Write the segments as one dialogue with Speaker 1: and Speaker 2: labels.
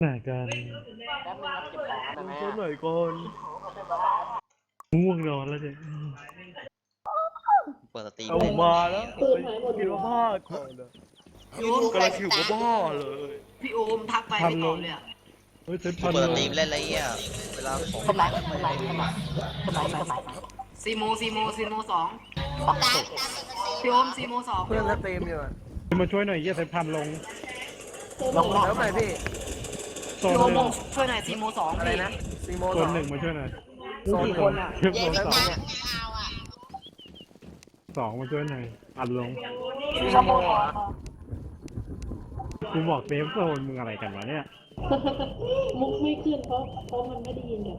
Speaker 1: ไหนกัน
Speaker 2: แป๊บนึงครับเก็บของได้ไหม
Speaker 1: ช่วยหน่อยก่อนง่วงนอนแล้วเนี่ย
Speaker 3: เปิดสตรีม
Speaker 1: เอา
Speaker 3: เล่น
Speaker 1: มาแล้วคิดว่าบ้าก่อนนะ
Speaker 4: พี่โอม
Speaker 1: กำลังคิดว่าบ้าเลย
Speaker 4: พี่โอมทักไปไม่ตอบเลยอ่ะ
Speaker 1: เฮ้ยเซ็ต
Speaker 3: กู
Speaker 1: พัน
Speaker 3: เปิด
Speaker 1: เล
Speaker 3: สตรี
Speaker 1: ย
Speaker 3: มเล่นอะไรเงี้ยเวลาของ
Speaker 2: สมัยสมัยสมัยสมัย
Speaker 4: ซีโมสองพี่โอมซีโมสอง
Speaker 5: เพื่อนสตรีมอยู่อะ
Speaker 1: มาช่วยหน่อยเยี่ยเซ็ตพันลง
Speaker 2: ลง
Speaker 5: แล้วไปพี่
Speaker 1: โซน
Speaker 4: พี่โอ
Speaker 1: หนึ่
Speaker 4: ม
Speaker 1: ง
Speaker 4: ช่วยหน่อยซีโมสอง
Speaker 5: อะไร
Speaker 4: พี่
Speaker 5: นะซีโม
Speaker 1: โซ
Speaker 5: ส
Speaker 1: น
Speaker 5: อง
Speaker 1: หนึ่งมาช่วยหน่อย
Speaker 5: โซนคนอ่ะ
Speaker 1: เทียบโซน
Speaker 5: แล้ว
Speaker 1: สอง
Speaker 5: เนี่ย
Speaker 1: สองมาช่วยหน่อยอัดลง
Speaker 5: ซีโมอ่ะ
Speaker 1: กูบอกเซฟโซนมึงอะไรกันวะเนี่ย
Speaker 6: มุกไม่ขึ้นเพราะมันไม่ได้ยินกัน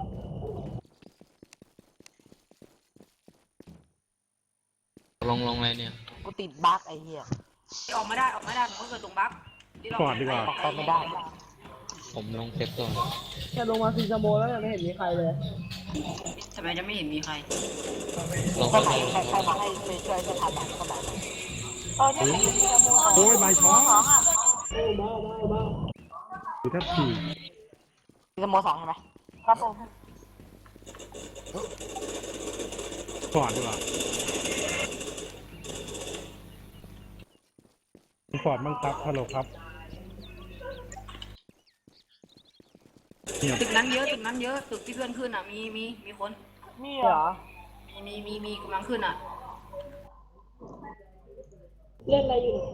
Speaker 7: ลงอะไรเนี่ย
Speaker 2: กูติดบั๊กไอ้เหี้ย
Speaker 4: ออกไม่ได้ผมก็เกิดตรงบั๊ก
Speaker 1: ก่อนดีกว่า
Speaker 2: ออกไปไม่ได้
Speaker 7: ผมลงเซฟโซน
Speaker 5: แค่ลงมาซีโมแล้วยังไม่เห็นมีใครเลย
Speaker 4: ทำไมจะไม่เห็นมีใคร
Speaker 7: ลง
Speaker 2: ก็
Speaker 7: เข้า
Speaker 2: ไหน
Speaker 7: ไป
Speaker 2: ใครมาให้ไปช่วยจะทำแบบก็แบบ
Speaker 1: โอ้ยใบช้อน
Speaker 6: บ้าบ้า
Speaker 1: หรือถ้าผี
Speaker 2: ซีโมสองใช่ไหมครับผม
Speaker 1: ก่อนดีกว่าฟอร์ดมั่งครับฮัลโหลครับเงียบ
Speaker 4: ตึกนั้นเยอะตึกที่เพื่อนขึ้นอ่ะมีคน
Speaker 2: นี่เหรอ
Speaker 4: มีกำลังขึ้นอ่ะ
Speaker 6: เล่นอะไรอยู่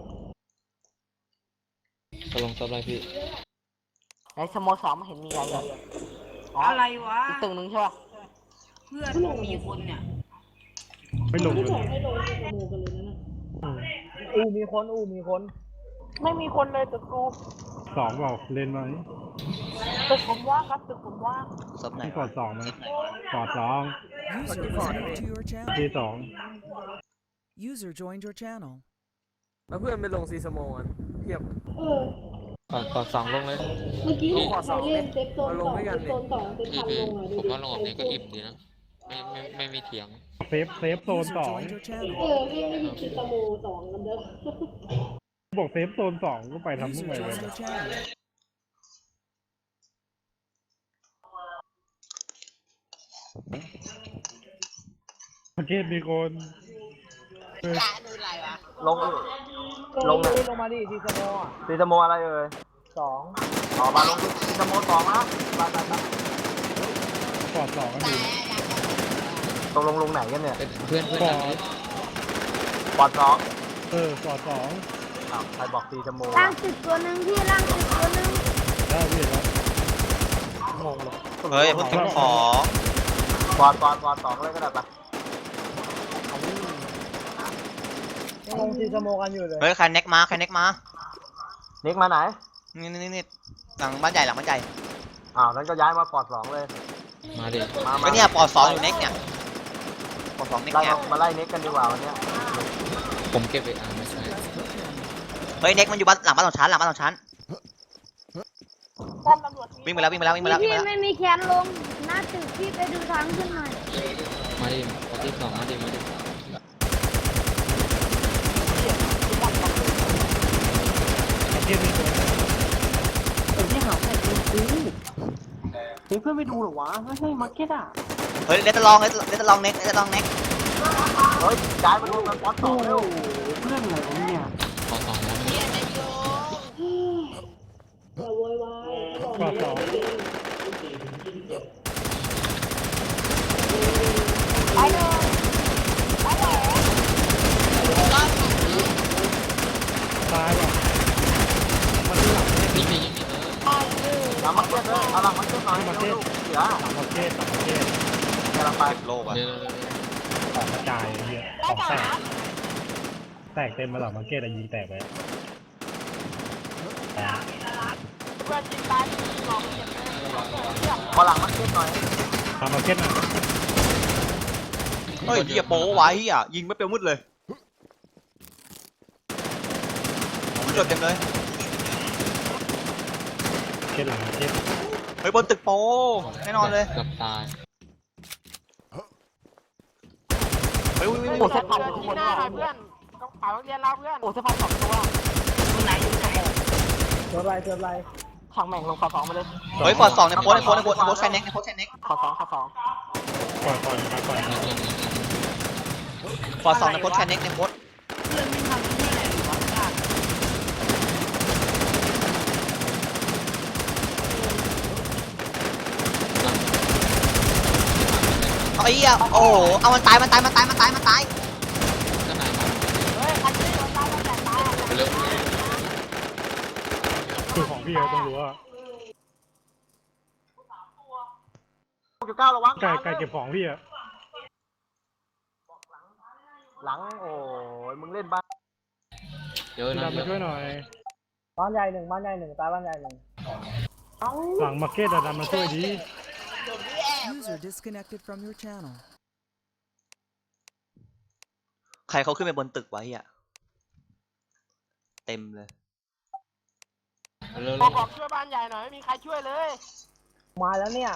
Speaker 7: ลงเซฟอะไรพี่
Speaker 2: ไอ้ซีโมสองไม่เห็นมีอะไรเลยอ๋อ
Speaker 4: อะไรวะ
Speaker 2: อีกตึงนึงใช่ป่ะ
Speaker 4: เพื่อนมีคนเนี่ย
Speaker 1: ไม่ลง
Speaker 6: ไม่
Speaker 1: เล
Speaker 6: บอก
Speaker 1: ย
Speaker 6: ให้ลงสโมกันเลยนะ
Speaker 5: มีคน
Speaker 2: ไม่มีคนเลยตึกกู
Speaker 1: สองบอกเล่นไหม
Speaker 2: ตึกผมว่างครับตึกผมว่าง
Speaker 3: ซับไหน
Speaker 1: ให้กอดสองไหมกอดสอง
Speaker 5: User
Speaker 8: User to your channel.
Speaker 1: ที่สอง
Speaker 8: User joined your channel.
Speaker 5: แล้วเพื่อนไปลงซีโมกันเทียบ
Speaker 6: เออ
Speaker 7: ก่อนสองลงเลย
Speaker 6: เมื่อกี้ใครเล่นเซฟโซนสองเซฟโซนสองเซฟ
Speaker 7: พี่
Speaker 6: พัน
Speaker 7: พี่
Speaker 6: ลงอ่ะดูดิ
Speaker 7: ผมว่าลงแบบนี้ก็อิ่มดีนะ ไม่มีเถียง
Speaker 1: เซฟโซน
Speaker 8: User
Speaker 1: สอง
Speaker 8: joined your channel.
Speaker 6: ไม่ได้ยินคือสโมสองกันเด้อ
Speaker 1: บอกเซฟโซนสองก็ไปทำทุก
Speaker 8: User
Speaker 1: ไงเลย
Speaker 8: joined your channel.
Speaker 1: ประเทศมีคนเออ
Speaker 5: ลงลงมาดิซีโมอ่ะซีโมอะไรเอ่ยสองอ๋อมาลงซีโมสองนะไป
Speaker 1: กอดสองกันอยู่
Speaker 5: ตรงลงไหนกันเนี่ย
Speaker 7: เป็นเพื่อน
Speaker 1: กอ
Speaker 7: กัน
Speaker 1: ด
Speaker 5: ปอดสอง
Speaker 1: กอดสอง
Speaker 5: ใครบอกซีโม
Speaker 9: ล่างติดตัวหนึ่งพี่ล่างติดตัวหนึ่ง
Speaker 1: ได้พี่แล้ว
Speaker 5: งงเลย
Speaker 3: เฮ้ยพูดถึงของ
Speaker 5: ปอดสองเลยก็ได้ปะลงซีโมกันอยู่เลย
Speaker 3: เฮ้ยใครเน็กมา
Speaker 5: นิกมาไหน
Speaker 3: นี่หลังบ้านใหญ่งั้
Speaker 5: งั้นก็ย้ายมาปอดสองเลย
Speaker 7: มาดิ
Speaker 3: ก็เนี่ยปอสองอยู่เน็กเนี่ยปอสองเน็ก
Speaker 5: ไล่
Speaker 3: เนี่ย
Speaker 5: มาไล่นิกกันดีกว่าวันนี้
Speaker 7: ผมเก็บไปไม่ใช่
Speaker 3: เฮ้ยเน็กมันอยู่บ้านหลังบ้านสองชั้นวิ่งไปแล้ว
Speaker 9: พี่ไม่มีแขนลงหน้าตึกพี่ไปดูทางขึ้นหน่อย
Speaker 7: มาดิปฏิสองมาดิ
Speaker 1: ประเทศมีคน
Speaker 2: เพื่อนไปดูหรอวะไม่ใช่มาร์เก็ตอ่ะ
Speaker 3: เฮ้ยเลตลองเน็ก
Speaker 5: เฮ้ยย้ายมาลงกันปอดสองเร็ว
Speaker 2: เพื่อนอะไรวะเนี่ย
Speaker 7: ขอสองนะ
Speaker 6: อย่าโวยวาย
Speaker 1: กอดสอง
Speaker 9: ไปเลยไปเลย
Speaker 1: ตายว่ะ
Speaker 7: นี่
Speaker 5: หลังมาเก็ตเลยเอาหลังมาเก็ตหน่อยเร็วเสีย
Speaker 1: ต่างประเทศ
Speaker 5: กำลังไป
Speaker 3: โลกอ่ะ
Speaker 7: เดี๋ยว
Speaker 1: ของกระจายเยอะของแตกเต็มมาหลังมาร์เก็ตอะยิงแตกไป
Speaker 5: พอหลังมาเก็ตหน่อย
Speaker 1: ทำมาร์เก็ตหน่อย
Speaker 3: เฮ้ยเฮียโป้ไว้เฮียยิงไม่เปรี้ยวมืดเลยมืดเต็มเลย
Speaker 1: เก็ตหลังมาร์เก็ต
Speaker 3: เฮ้ยบนตึกโป้แน่นอนเลย
Speaker 7: เกือบตาย
Speaker 3: เฮ้ย
Speaker 2: โอ้เซฟพันทุกคนเนี่ยเพื่อนต้องหาโรงเรียนเราเพื่อนโอ้เซฟพันสองตัว
Speaker 4: ตรงไหนอยู่สโม
Speaker 5: เจอไร
Speaker 2: ใครช่างแม่งลงขอสองมาเลย
Speaker 3: เฮ้ยฟอร์ดสองในโพสแคนเน็กในโพสแคนเน็ก
Speaker 2: ขอสอง
Speaker 1: ก่อนมาก่อน
Speaker 7: แล้วตัวนี้
Speaker 3: ฟอร์ดสองในโพสแคนเน็กในโพส
Speaker 4: เพื่อนไม่ทำที่ไหนหรือวะ
Speaker 3: เอาไอ้เหี้ยโอ้โหเอามันตาย
Speaker 7: ก็นายมา
Speaker 2: เฮ้ยใครช่วยโดนตายแล้วแต่ตาย
Speaker 7: เร็ว
Speaker 1: คือของพี่เขาต้องรู้ว่า
Speaker 5: 9ระวัง
Speaker 1: ไก่เก็บของพี่อะ
Speaker 5: หลังโอ้ยมึงเล่นบ้าน
Speaker 7: เยอะ
Speaker 1: พี่
Speaker 7: นะ
Speaker 1: ดำมาช่วยหน่อย
Speaker 5: บ้านใหญ่หนึ่งตายบ้านใหญ่หนึ่ง
Speaker 1: หลังมาร์เก็ตอะดำมาช่วยดี
Speaker 8: User disconnected from your channel.
Speaker 3: ใครเขาขึ้นไปบนตึกไว้อ่ะเต็มเลย
Speaker 7: เร็ว
Speaker 2: ขอช่วยบ้านใหญ่หน่อยไม่มีใครช่วยเลย
Speaker 5: มาแล้วเนี่ย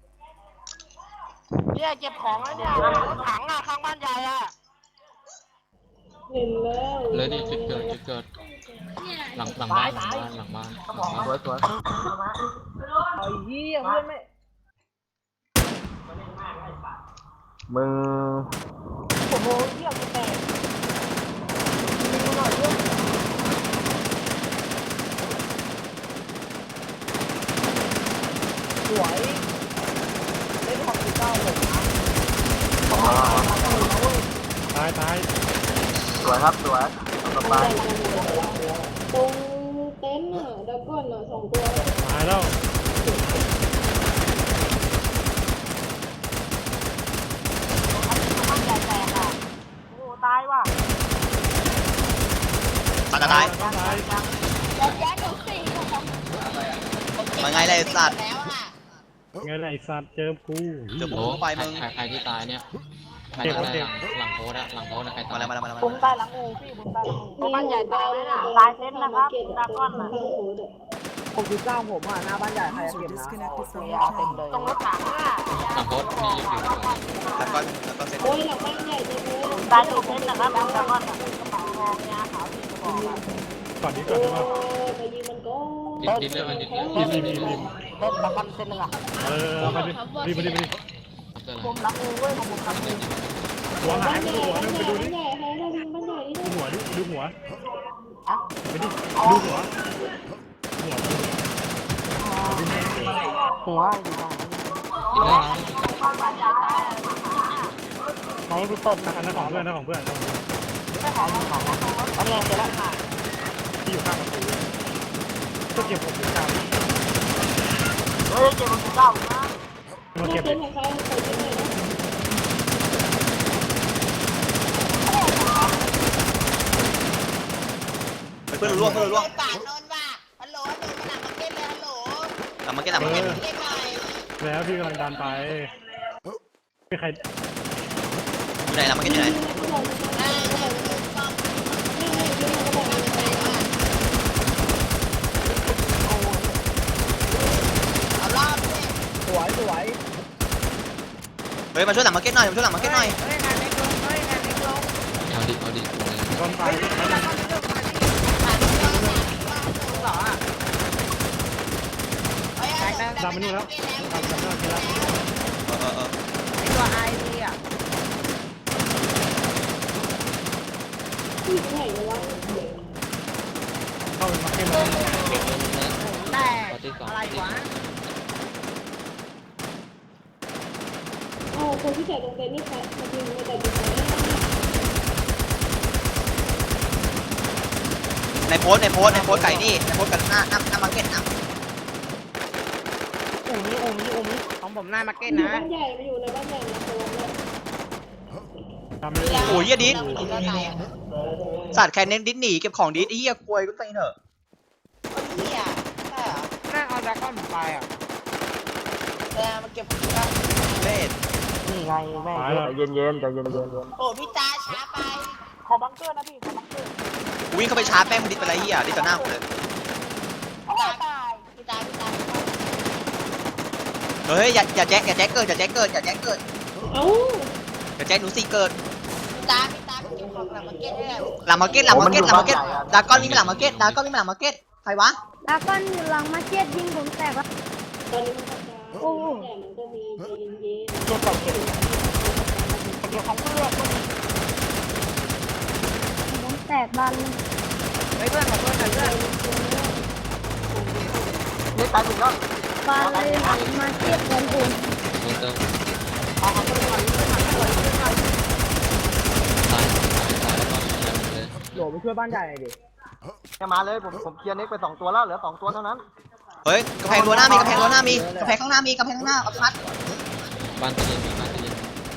Speaker 2: เนี่ยเก็บของแล้วเนี่ยถังอ่ะข้างบ้านใหญ่อ่ะ
Speaker 6: เห็นแล้ว
Speaker 7: เลยดิจุดเกิดหลังบ้าน
Speaker 5: สวยไอ้เหี้ยเพื่อนไม่มึง
Speaker 2: โอ้โหเยี่ยมแตก
Speaker 5: สวยเล่นของ9ผม
Speaker 1: ตาย
Speaker 5: สวยครับสวยต่อไป
Speaker 6: ตรงเต็นท์อ่ะดับก่อนอ่ะ2 ตัว
Speaker 1: ตายแล้ว
Speaker 2: บ้านใหญ่แตกอ่ะโอ้ตายว่ะ
Speaker 3: ตาย
Speaker 1: ตาย
Speaker 3: มาไงเลยสัตว์
Speaker 1: ไงล่ะไอ้สัตว์เจอกู
Speaker 3: เจอ
Speaker 7: โอ้
Speaker 3: ผมไปมึง
Speaker 7: ใครที่ตายเนี่ยใครตายหลังโพสอะหลังโพสนะใครตาย
Speaker 3: มาแล้ว
Speaker 2: ผมตายหลังงูพี่ผมตายหลังงูบ้านใหญ่ตายไหมน่ะตายเต็นท์นะครับดราก้อนน่ะ
Speaker 5: 69ผมอ่ะหน้าบ้านใหญ่ใคร
Speaker 8: User
Speaker 5: เก็บนะ
Speaker 8: disconnected from
Speaker 2: ยา
Speaker 8: your
Speaker 2: เต็ม
Speaker 8: channel.
Speaker 2: เลยตรงรถถังอ่ะ
Speaker 7: หลังโพสนี่ยังอยู่
Speaker 3: แล้วก็เซ็ต
Speaker 6: โอ้ยหลังบ้านใหญ่จังเลย
Speaker 2: ตายถูกเต็นท์นะครับดราก้อนน่ะกระเป๋าทองยาขาวที่กระบอกอ่ะ
Speaker 1: ก่อนนี้ก่อนได้ปะ
Speaker 6: ไปยิงมันก็
Speaker 7: ดิดเลยมันดิดเลย
Speaker 1: รีบ
Speaker 2: เต็นท์ดราก้อนเต็นท์นึงอ่ะ
Speaker 1: มาดิรีบ
Speaker 2: ผมหลังงูเว้ยผมหลังงู
Speaker 1: หัวหายไป
Speaker 6: บ้าน
Speaker 1: ดูหัว
Speaker 6: ให
Speaker 1: นึ
Speaker 6: ญ่
Speaker 1: งไปดูดิ
Speaker 6: ให้เรายิงบ้านใหญ่นี่
Speaker 1: ดูหัวดิดูหัว
Speaker 2: อ่ะ
Speaker 1: ไปดิดูหัวหัว
Speaker 2: หัวอยู่ตรงนี้
Speaker 7: ดิดเลย
Speaker 2: ไหนพี่เติ้ล
Speaker 1: อันนั้นของเพื่อนอันนี้
Speaker 2: อันนี้เสร็จแล้ว
Speaker 1: ที่อยู่ข้างประตูก็เก็บผมถึงกลาง
Speaker 2: เฮ้ยเจ็บมันเก้านะ
Speaker 1: มา
Speaker 6: เก็
Speaker 1: เก็
Speaker 6: บบ เป็นของใครใส่ที่ไหนนะ
Speaker 3: เพื่อนร่วง
Speaker 10: ปากนนท์ว่ะฮัลโหลโดนหนักมาเก็ตเลยฮัลโหล
Speaker 3: หลังมาเก็ตหลังมาเก็ต
Speaker 10: เก็ตหน่อย
Speaker 1: แล้วพี่กำลังดันไปไม่ใคร
Speaker 3: อยู่ไหนหลังมาเก็ตอยู่ไหน
Speaker 10: เอารอบเลย
Speaker 5: สวย
Speaker 3: เฮ้ยมาช่วยหลังมาเก็ตหน่อย
Speaker 7: เอาดิ
Speaker 1: คนตายดันมานู่นแล้วดันมานู่นแล้ว
Speaker 6: ที่ไหนวะ
Speaker 1: เข้าไปมาเก็ตเลย
Speaker 7: อะไรวะ
Speaker 6: อ๋อคนที่ใส่ตรงเต็นท์นี่ใครมายิงมาแต่ยิงไหน
Speaker 3: ในโพสไก่นี่ในโพสกันหน้ามาเก็ตนะ
Speaker 2: อูนี้ของผมหน้ามาเก็ต
Speaker 6: อยู่
Speaker 2: นะ
Speaker 6: บ้านใหญ่มาอยู่ในบ้านใหญ่นะตัวแล้ว
Speaker 1: ทำเลย
Speaker 3: โอ้ยเหี้ยดิส
Speaker 10: คนก็ตายอ่ะ
Speaker 3: สัตว์แคนเน็กดิสหนีเก็บของดิสไอ้เหี้ยควยก็ตีเถอะ
Speaker 10: คนเหี้ยใช่เหรอ
Speaker 2: หน้าเอาดราก้อนผมไปอ่ะ
Speaker 10: เวลามาเก็บของกัน
Speaker 3: เล่น
Speaker 2: นี่ไงแม่
Speaker 1: ตายแล้ว
Speaker 5: ใจเย็นใจเย็น
Speaker 10: โอ้พี่ตาช้าไป
Speaker 2: ขอบังเกอร์นะพี่ขอบังเกอร์
Speaker 3: กูวิ่งเข้าไปชาร์จแป้งมันดิสไปไรเหี้ยดิสต่อหน้าผมเลย
Speaker 10: พี่ตา
Speaker 3: เฮ้ยอย่าแจ็คเกิด
Speaker 6: เอ้า
Speaker 3: อย่าแจ็คหนูสี่เกิด
Speaker 10: พี่ตาเก็บของหลังมาเก็ตด้วย
Speaker 3: หลังมาเก็ตดาก้อนวิ่งไปหลังมาเก็ตใครวะ
Speaker 9: ดราก้อนอยู่หลังมาเก็ตยิงผมแตกแล้ว
Speaker 6: ตอนนี้มันกระจายแต่มันก็มีใจเย็น
Speaker 2: เก็บก่อนเก็บเก็บของเพื่อน
Speaker 9: ผมแตกบานเลย
Speaker 2: เฮ้ยเพื่อนขอเพื่อนหน่อยเพื่อน
Speaker 5: นี่ตายหนึ่งแล้ว
Speaker 9: บานเลยหลังมาเก็ตของผม
Speaker 7: ลงเติม
Speaker 2: เอาของเพื่อนหน่อยเพื่อนหน่อยเพื่อนหน่อย
Speaker 7: ตายแล้วก็ยิงเลย
Speaker 2: โหลไปช่วยบ้านใหญ่หน่อยดิ
Speaker 5: จะมาเลยผมเคลียร์เน็กไป2ตัวแล้วเหลือ2ตัวเท่านั้น
Speaker 3: เฮ้ยกำแพงรั้วหน้ามีกำแพงรั้วหน้ามีกำแพงข้างหน้ามีกำแพงข้างหน้าเอาพัด
Speaker 7: บ้านตู้เย็นมีบ้านตู้เย็น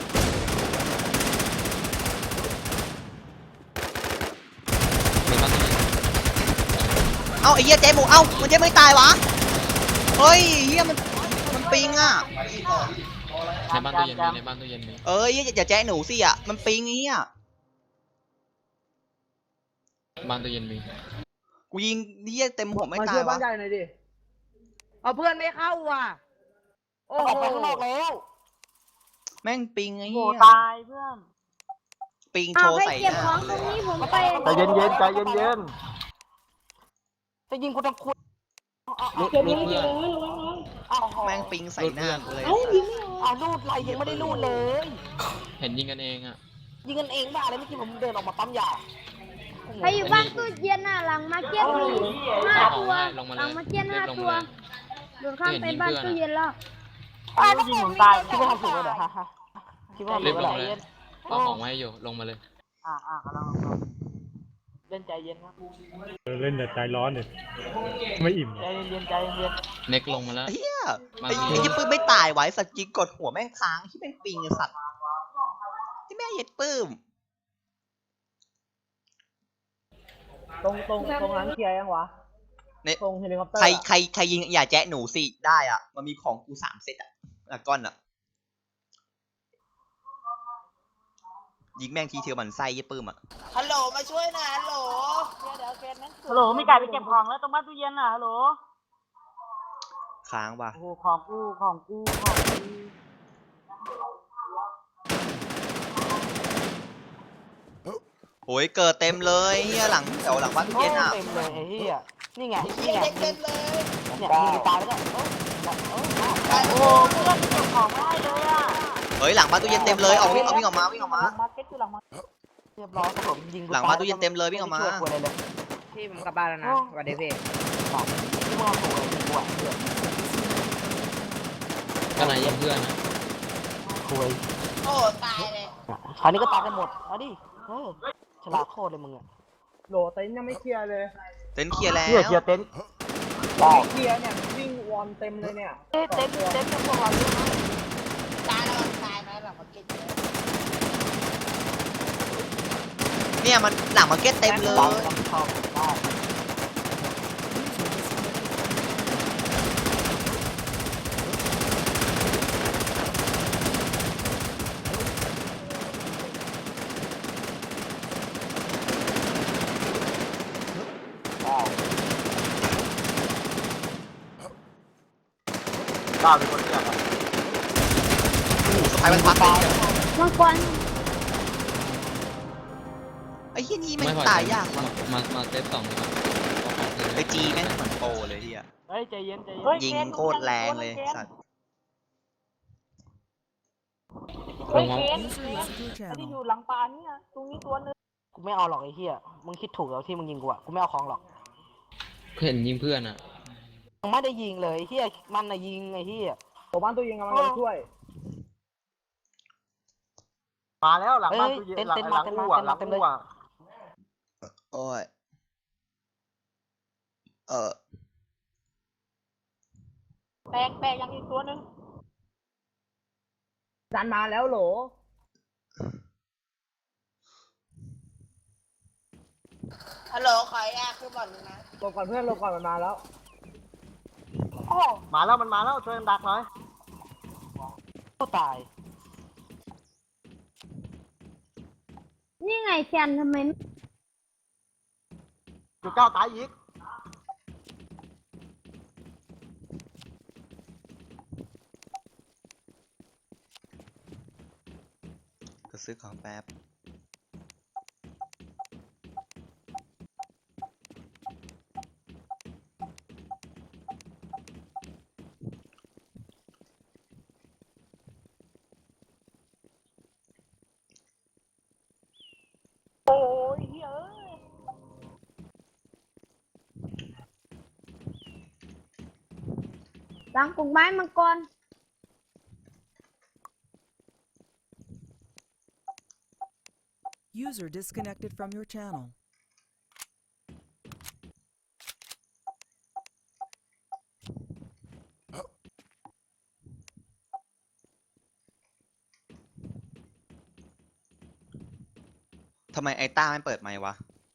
Speaker 7: มีบ้านตู้เย็น
Speaker 3: เอ้าไอ้เหี้ยเจ๊หมูเอ้ามันเจ๊ไม่ตายวะเฮ้ยเหี้ยมันปิงอ่ะ
Speaker 7: ในบ้านตู้เย็นมีในบ้านตู้เย็นมี
Speaker 3: เอ้ยอย่าแจ๊หนูสิอ่ะมันปิงไอ้เหี้ย
Speaker 7: บ้านตู้เย็นมี
Speaker 3: กูยิงเหี้ยเต็มหัวไม่
Speaker 2: มา
Speaker 3: ตา
Speaker 2: ช่วย
Speaker 3: ยวะ
Speaker 2: บ้านใหญ่หน่อยดิเอาเพื่อนไม่เข้าว่ะโอ้โหออกไปข้างนอกแล้ว
Speaker 3: แม่งปิงไอ้
Speaker 2: โห
Speaker 3: เหี้ย
Speaker 2: ตายเพื่อน
Speaker 3: ปิงโช
Speaker 9: เอา
Speaker 3: ว์
Speaker 9: ให้
Speaker 3: ใส่
Speaker 9: เก็บ
Speaker 3: ห
Speaker 9: ข
Speaker 3: น้า
Speaker 9: องตรงนี้ผมไป
Speaker 5: ใจเย็นใจเย็น
Speaker 2: จะยิงกูทำคุย
Speaker 6: ๆเก็บเลยเก็บเลยระวังน้อง
Speaker 2: อ้าว
Speaker 3: แม่งปิงใส่หน้ากูเลย
Speaker 6: เอ้ายิงไม่ออก
Speaker 2: อ้าวรูดไรยังไม่ได้รูดเลย
Speaker 7: เห็นยิงกันเองอ่ะ
Speaker 2: ยิงกันเองบ้าอะไรเมื่อกี้ผมเดินออกมาปั๊มยา
Speaker 9: ใครอยู่บ้านตู้เย็นน่ะหลังมาเก็ตมีห้าตัวหลังมาเก็ต5 ตัวโดนข้ามไปบ้านตู้เย็นแล้ว
Speaker 2: ยิงผมตายคิดว่าทำถูกแล้วเหรอฮะคิดว่าทำ
Speaker 7: รี
Speaker 2: ถู
Speaker 7: บ
Speaker 2: ก
Speaker 7: ล
Speaker 2: แล้ว
Speaker 7: ง
Speaker 2: เหรอ
Speaker 7: เลยเอาของไว้ให้อยู่ลงมาเลย
Speaker 2: กำลังเล่นใจเย็นครับ
Speaker 1: เล่นแต่ใจร้อนเนี่ยไม่อิ่ม
Speaker 2: ใจเย็นใจเย็น
Speaker 7: เน็กลงมาแล้ว
Speaker 3: เฮีย
Speaker 7: มา
Speaker 3: ไอ้
Speaker 7: ที่
Speaker 3: ยี่ปื้มไม่ตายไว้สัตว์ยิงกดหัวแม่งค้างที่แม่งปิงไอ้สัตว์ที่แม่งเย็ดปื้ม
Speaker 2: ตรงนั้นเคลียร์ยังวะ
Speaker 3: เนี่ย
Speaker 2: ตรงเฮลิคอปเตอร์
Speaker 3: ใครยิงอย่าแจ๊ะหนูสิได้อ่ะมันมีของกู3 เซตอ่ะก้อนอ่ะยิงแม่งทีเทียวมันไส้ยี่ปื้มอ่ะ
Speaker 10: ฮัลโหลมาช่วยหน่อยฮัลโหล
Speaker 2: ฮัลโหลมีไก่ไปเก็บของแล้วตรงบ้านตู้เย็นน่ะฮัลโหล
Speaker 3: ค้างว่ะ
Speaker 2: โอ้โหของกู
Speaker 3: โอ้ยเกิดเต็มเลยเฮียหลังแถวหลังบ้านตู้เย็นอ่ะ
Speaker 2: เต็มเลยไอ้เหี้ยนี่ไง
Speaker 10: เฮียเด็กเต็มเลย
Speaker 2: เนี่ยยิงตายแล้วเนี่ยโอ้โหเพื่อนเก็บของไม่ได้เลยอ่ะ
Speaker 3: เฮ้ยหลังบ้านตู้เย็นเต็มเลยเอาวิ่งออกมา
Speaker 2: มาร์เก็ตคือหลังมาเรียบร้อยครับผมยิง
Speaker 3: หลังบ้านตู้เย็นเต็มเลยวิ่งออกมา
Speaker 2: พี่ผมกลับบ้านแล้วนะสวัสดีพี่ที่มึงเอาถูกเลยกูอ่ะเพื่อน
Speaker 7: ก็นายยิงเพื่อนอ่ะ
Speaker 2: คุย
Speaker 10: โอ้ตายเลย
Speaker 2: คราวนี้ก็ตายกันหมดเอาดิฉลาดโคตรเลยมึงอ่ะโหลเต็นยังไม่เคลียร์เลย
Speaker 3: เต็นท์เคลียร์แล้ว
Speaker 5: เคลียร์เต็นท์
Speaker 2: เคลียร์เนี่ยวิ่งวอนเต็มเลยเนี่ยเต็นกับพวกเราเยอะ
Speaker 10: ตายแล้วตายไหมหลังมาเก็ตเยอะ
Speaker 3: เนี่ยมันหลังมาร์เก็ตเต็มเลย
Speaker 2: ชอบได้
Speaker 5: ก้าวเป็นคนเรียก
Speaker 3: สไปมันพักเลย
Speaker 9: มังกร
Speaker 3: ไอ้เฮียนี่แม่
Speaker 7: ไม่
Speaker 3: ง
Speaker 7: พอ
Speaker 3: ตายยากว่ะ
Speaker 7: มาเซต2ดีกว่า
Speaker 3: ไอ้จีแม่งเหมือนโปรเลยเฮีย
Speaker 2: เฮ้ยใจเย็นใจเย็น
Speaker 3: ยิงโคตรแรงเลยสัตว์
Speaker 7: ลงมา
Speaker 8: User left your
Speaker 2: ที่อ
Speaker 8: channel.
Speaker 2: ยู่หลังปลาเนี่ยตรงนี้ตัวนึงกูไม่เอาหรอกไอ้เหี้ยมึงคิดถูกแล้วที่มึงยิงกูอะกูไม่เอาของหรอก
Speaker 7: เห็นยิงเพื่อนอ่ะ
Speaker 2: มึงไม่ได้ยิงเลยไอ้เหี้ยมันน่ะยิงไอ้เหี้ยตัวบ้านตัวยิงกำลังจะช่วย
Speaker 5: มาแล้วหลังบ้านตู้เย็นหลังอู้อ่ะหลังอู้อ่ะ
Speaker 3: โอ้ย
Speaker 2: แตกยังอีกตัวนึงดันมาแล้วโหล
Speaker 10: ฮัลโหลขอยาคือบ่อนนึงนะ
Speaker 2: หลบก่อนเพื่อนหลบก่อนมันมาแล้ว
Speaker 5: มาแล้วมันมาแล้วช่วยกันดักหน่อย
Speaker 2: ก็ตาย
Speaker 9: นี่ไงแชนทำไม
Speaker 5: จุดเก้าตายอีก
Speaker 3: ก็ซื้อของแป๊บ
Speaker 9: หลังกลุ่มไม้มังกร
Speaker 8: User disconnected from your channel.
Speaker 3: ทำไมไอ้ต้าไม่เปิดไมค์วะ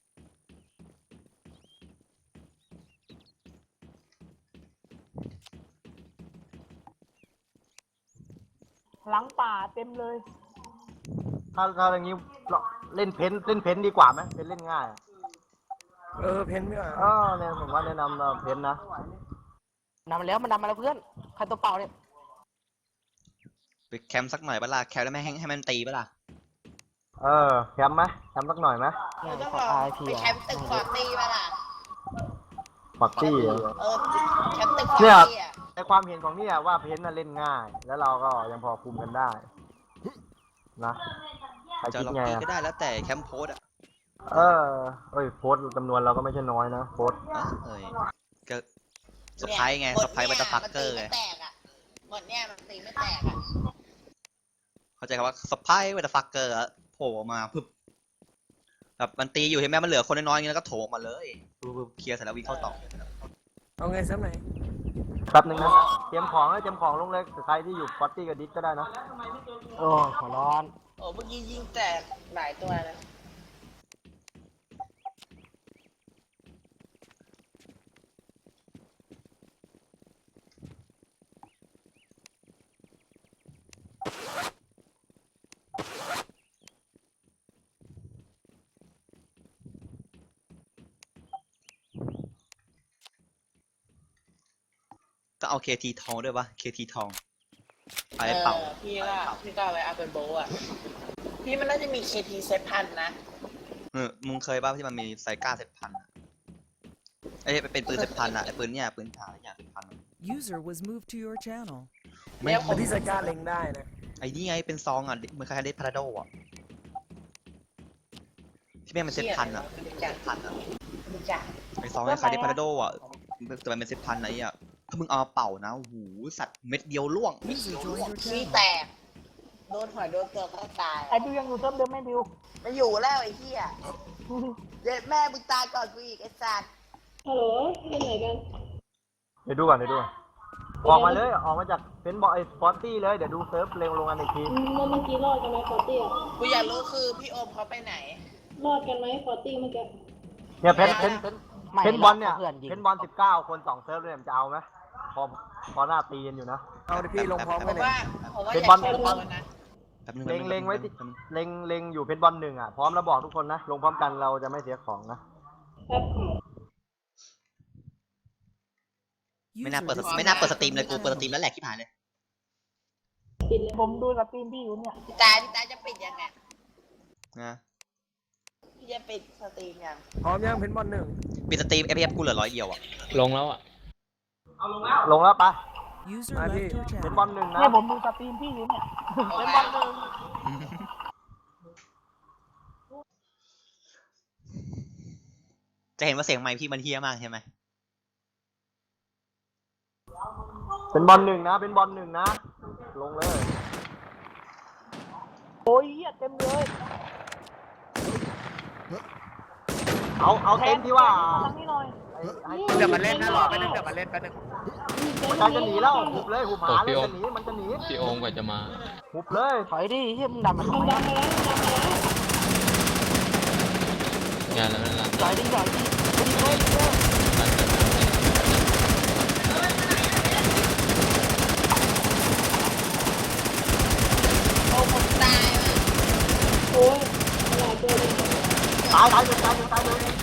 Speaker 2: หลังป่าเต็มเลย
Speaker 5: ถ้าอย่างนี้เล่นเพ้นดีกว่าไหมเพ้นเล่นง่ายเพ้นไม่เนี่ยผมว่าแนะนำเพ้นนะ
Speaker 2: นำมาแล้วมันนำมาแล้วเพื่อนใครตัวเปล่าเนี่ย
Speaker 3: ไปแคมป์สักหน่อยเปะล่าแคมป์แล้วไม่ให้มันตีเปะล่า
Speaker 5: แคมป์ไหมแคมป์สักหน่อยไหม
Speaker 10: เราต้องรอไปแคมป์ตึกฟอร์ตี้ป่ะล่ะ
Speaker 5: ฟอร์ตี้
Speaker 10: แคมป์ตึกฟอร์
Speaker 5: เนี่ย
Speaker 10: ตี้อ่ะ
Speaker 5: ในความเห็นของเนี่ยว่าเพ้นน่ะเล่นง่าย แล้วเราก็ยังพอคุมกันได้นะใคร
Speaker 3: จะ
Speaker 5: คิด
Speaker 3: ล็อก
Speaker 5: ไง
Speaker 3: กี้
Speaker 5: อะ
Speaker 3: ก็ได้แล้วแต่แคมป์โพสอะ
Speaker 5: โพสต์จำนวนเราก็ไม่ใช่น้อยนะโพสต์
Speaker 3: เอ้ยก็สไปไงสไปบัตเตอร์ฟักเกอร์ไง
Speaker 10: แตกอ่ะหมดเนี่ยมันตีไม่แตกอ่ะ
Speaker 3: เข้าใจคำว่าสไปบัตเตอร์ฟักเกอร์โผล่ออกมาปึ๊บแบบมันตีอยู่เห็นไหมมันเหลือคนน้อยๆอย่างนี้แล้วก็โถมมาเลยปึ๊บเคลียร์เสร็จแล้ววิ่งเข้าต่อ
Speaker 5: เอาไงซ้ำไหนแป๊บนึงนะเตรียมของลงเลยใครที่อยู่ฟอร์ตี้กับดิสก็ได้นะ
Speaker 2: โอ้ขอร้อน
Speaker 10: โอ้เมื่อกี้ยิงแตกหลายตัวนะ
Speaker 3: ก็เอา KT ทองด้วยปะ KT ทองไปเป่า
Speaker 10: พี่ก็เอาไว้เอาเป็นโบว์อ่ะพี่มันน่าจะมี KT เซตพันนะ
Speaker 3: มึงเคยป่ะที่มันมีไซก้า7,000อะไอ้เป็นปืน7,000อะไอ้ปืนเนี่ยปืนถ่ายอย่าง7,000อะ
Speaker 8: User was moved to your channel.
Speaker 3: ไม่
Speaker 5: ที่สกัดเล็งได้นะ
Speaker 3: ไอ้นี่ไงเป็นซองอะเหมือนคล้ายๆเดพาราโดอะที่แม่งเป็น7,000อะ7,000อะ
Speaker 10: ดูจ้ะ
Speaker 3: ไอ้ซองคล้ายๆเดพาราโดอะแต่มันเป็น7,000ไอ้อะถ้ามึงเอามาเป่านะโอ้โหสัตว์เม็ดเดียวล่วง
Speaker 8: User joined your
Speaker 10: ขี้
Speaker 8: channel.
Speaker 10: แตกโดนหัวโดนเกือบก็ตาย
Speaker 2: ไอ้ดิวยังอยู่เซิร์ฟเดิมไหมดิว
Speaker 10: ไม่อยู่แล้วไอ้เหี้ยเด็ดแม่มึงตายก่อนกูอีกไอ้สัตว์
Speaker 6: ฮัลโหลเล่นไหนกัน
Speaker 5: เดี๋ยวดูก่อนออกมาเลยออกมาจากเป็นบอไอ้ฟอร์ตี้เลยเดี๋ยวดูเซิร์ฟเร็วลงกันอีกที
Speaker 6: เมื่อกี้รอดกันไหมฟอร์ตี้อะ
Speaker 10: กูอยากรู้คือพี่โอมเขาไปไหน
Speaker 6: รอดกันไหมฟอร์ตี้เมื่อกี้
Speaker 5: เนี่ยเพนบอลเนี่ย
Speaker 2: พื่ยิง
Speaker 5: เพนบอล19 คน2เซิร์ฟเลยมันจะเอาไหมพอหน้าตีกันอยู่นะ
Speaker 3: เอาดิพี่ลงพร้อม
Speaker 10: ผมว่า
Speaker 5: เป็น
Speaker 10: อยาก
Speaker 5: บอล
Speaker 10: ใช้บอลนะ
Speaker 3: แป๊บนึง
Speaker 5: เล็งไว้ติเล็งอยู่เพนบอล1อ่ะพร้อมแล้วบอกทุกคนนะลงพร้อมกันเราจะไม่เสียของนะ
Speaker 6: ครับ
Speaker 3: ไม่น่า
Speaker 8: User
Speaker 3: เปิด
Speaker 8: disconnected
Speaker 3: ไม่น่าเปิดสตรีม
Speaker 8: from
Speaker 3: เลย
Speaker 8: your
Speaker 3: กูเปิดส
Speaker 8: channel.
Speaker 3: ตรีมแล้วแหลกที่ผ่านเลย
Speaker 6: ปิดเลย
Speaker 2: ผมดูสตรีมพี่อยู่เนี่ย
Speaker 10: พี่ตาจะปิดยังไง
Speaker 3: นะ
Speaker 10: พี่จะปิดสตรีมยัง
Speaker 5: พร้อมยังเพนบอล
Speaker 3: ปิดสตรีม FPS กูเหลือ100เดียวอะ
Speaker 7: ลงแล้วอ่ะ
Speaker 5: ลงแล้วปะ
Speaker 8: User
Speaker 5: มา
Speaker 8: left
Speaker 5: พี่
Speaker 8: your
Speaker 5: เพน
Speaker 8: channel.
Speaker 5: บอล1นะ
Speaker 2: เนี่ยผมดูสตรีมพี่อยู่เนี่ย
Speaker 10: เป็นบอลหนึ่ง
Speaker 3: จะเห็นว่าเสียงไมค์พี่มันเฮี้ยมากใช่ไหม
Speaker 5: เป็นบอล1นะเป็นบอล1นะลงเลย
Speaker 2: โอ้ยเหี้ยเต็มเลย
Speaker 5: เอาเต็มที่ว่า
Speaker 2: ทางนี้หน่อย
Speaker 5: เดี๋ยวมันเล่นนะรอไปนึงเดี๋ยวมันเล่นไปนึงมันจะหนีแล้วหุบเลยหุบหาเลยจะหนีมันจะหนี
Speaker 7: พี่โอมกว่าจะมา
Speaker 5: หุบเลย
Speaker 2: ถอยดิเฮียมึงดันมาทำ
Speaker 6: มัน
Speaker 2: ไม
Speaker 6: ดังไปแล้วมันดังไปแล้ว
Speaker 7: งานแล้วนั่นละ
Speaker 2: ถอยดิดิเฮ้ย
Speaker 10: โอ้ผมตายว่ะ
Speaker 6: โอ้ยหลายตัวเลย
Speaker 5: ตายเลย
Speaker 10: เกิดการโดนยิง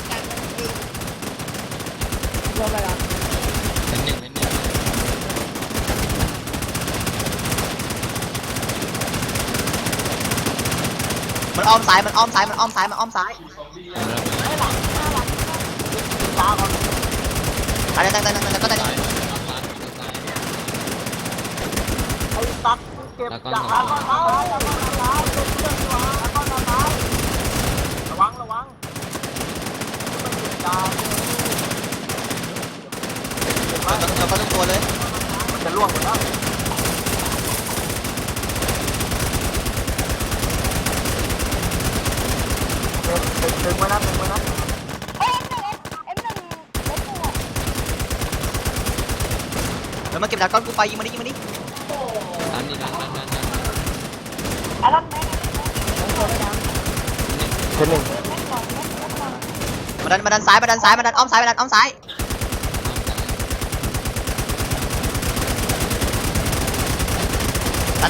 Speaker 2: เริ่มอะไรกัน
Speaker 7: เป็นหนึ่ง
Speaker 3: มันอ้อมซ้าย มันอ้อมซ้าย
Speaker 5: ตาก่อน
Speaker 3: ตายแล้วก็ได้
Speaker 7: ซ้ายซ้าย
Speaker 5: ไอ้ตัดเก็บจากแล้วก็ตายแล้วก็ตายระวังไม่เก็บดาว
Speaker 3: เราก็ต้องตัวเลย
Speaker 5: ล่วงหมดแล้วตึงไว้นะตึงไว้นะ
Speaker 3: แล้วมาเก็บดาก้อนกูไปยิงมาดิยิงมาดิ
Speaker 7: ดันดิดัน
Speaker 5: เทนหนึ่ง
Speaker 3: มาดันซ้ายมาดันซ้ายมาดันอ้อมซ้ายมาดันอ้อมซ้ายตาย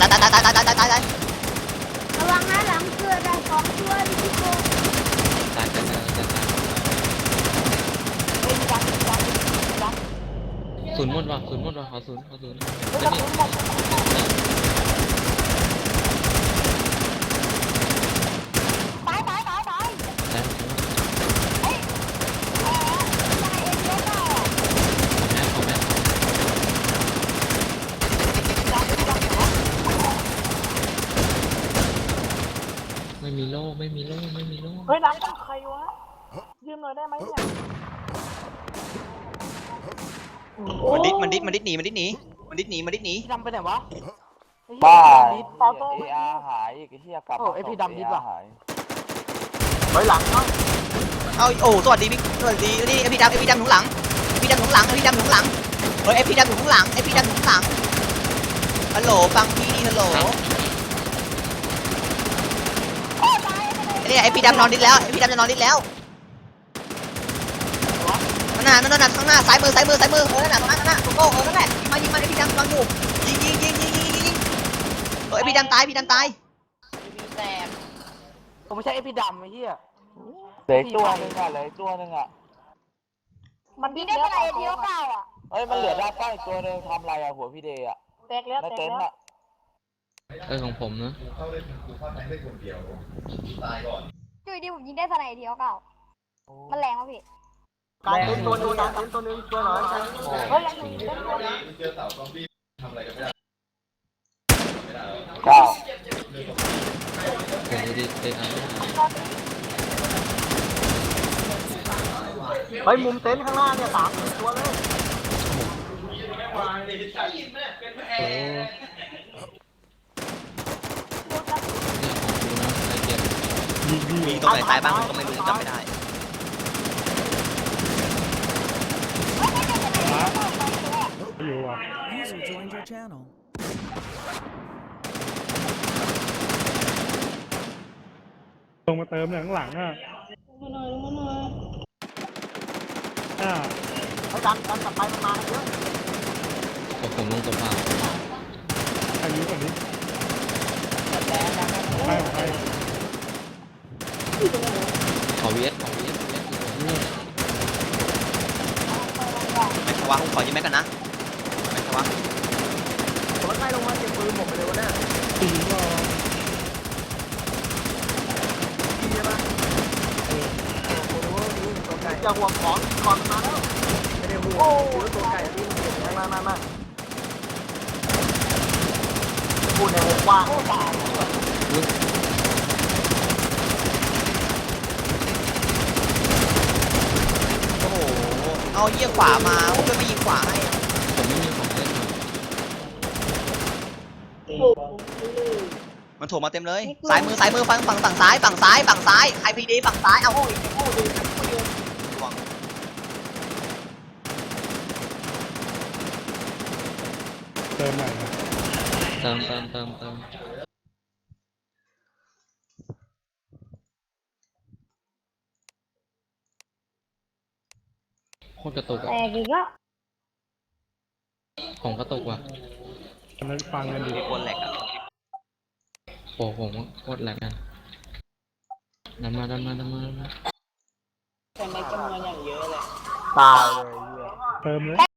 Speaker 9: ระวังนะหลังเกิดได้2ตัวดิพี่โก
Speaker 7: ตายศูนย์หมดว่ะขอศูนย์ไม่มีโล่
Speaker 2: เฮ้ยน้ำต้องใครวะยืมหน่อยได้ไหมเนี่ย
Speaker 3: มันดิดหนี
Speaker 2: พี่ดำไปไหนวะ
Speaker 5: บ้า
Speaker 2: ตอโต้
Speaker 5: หายอีกที่กลับ
Speaker 2: ไอพี่ดำดิบว่ะ
Speaker 5: ไว้หลังเนาะ
Speaker 3: เอาโอ้สวัสดีนี่ไอพี่ดำอยู่ข้างหลังเฮ้ยไอพี่ดำอยู่ข้างหลังฮัลโหลฟังพี่ฮัลโหลเนี่ยไอพี่ดำนอนดิดแล้วนั่นน่ะข้างหน้าซ้ายมือนั่นน่ะตรงนั้นโก้นั่นแหละยิงมาไอพี่ดำนอนอยู่ยิงไอพี่ดำตาย
Speaker 10: แตก
Speaker 2: ผมไม่ใช่ไอพี่ดำไอ้เหี้ย
Speaker 5: เหลือตัวนึงอ่ะ
Speaker 9: มันดิ้นได้อะไรเดียวเปล่าอ่ะ
Speaker 5: เฮ้ยมันเหลือด้านใต้ตัวนึงทำอะไรอ่ะหัวพี่เดย์อ่ะ
Speaker 2: แตกแล้ว
Speaker 5: ในเต็นท์อ่ะ
Speaker 7: ของผมนะ
Speaker 9: จุยดิผมยิงได้สไนเดียวเปล่ามันแรงวะพี่
Speaker 5: การเต็นท์ตัวนึงตัวหน่อย
Speaker 2: เฮ้ยยังอยู่ได้ตัวนึง
Speaker 5: เก้า
Speaker 7: ผมดีเตะอัน
Speaker 5: เฮ้ยมุมเต็นท์ข้างหน้าเนี่ย3ตัวเลย
Speaker 3: มีตรงไหนตายบ้างผมก็ไม่รู้จำไม่ได้
Speaker 1: อยู่อ่ะ
Speaker 8: User joined your channel.
Speaker 1: ลงมาเติมหลังอ่ะอ่า
Speaker 5: เขาดันกลับไปมันมาเยอะ
Speaker 7: ผมลงตัวเปล่า
Speaker 1: อายุกว่านี้ไป
Speaker 7: ขอเวียด
Speaker 3: ไม่ทว่าผมขอยืมแม็กกันนะไม่ทว่า
Speaker 5: ผมใกล้ลงมาเก็บปืนหมดไปเลยวะเนี่ย
Speaker 1: ตีก็
Speaker 5: อย่าห่วงของก่อนมาแล้วไม่ได้ห่วงตัวไก่ที่มาพูดในวงกว้าง
Speaker 3: โอ้โหเอาเยี่ยขวามาผมจะไม่ยิงขวาให้
Speaker 7: ผมไม่มีของเล่น
Speaker 3: มันโถมมาเต็มเลยซ้ายมือฝั่งซ้ายใครพีดีฝั่งซ้ายเอาโอ้ย
Speaker 1: เติมใหม่นะ
Speaker 7: เติมโคตรกระตุก
Speaker 9: แต
Speaker 7: อ่ะ
Speaker 9: กอีกแล้ว
Speaker 7: ผมกระตุกว่ะ
Speaker 1: กำลังฟังกันอยู่
Speaker 3: มีคนแหลกอะ
Speaker 7: โอ้ผมโคตรแหลกกันดันมา
Speaker 5: ตายเลย
Speaker 1: เติมเลย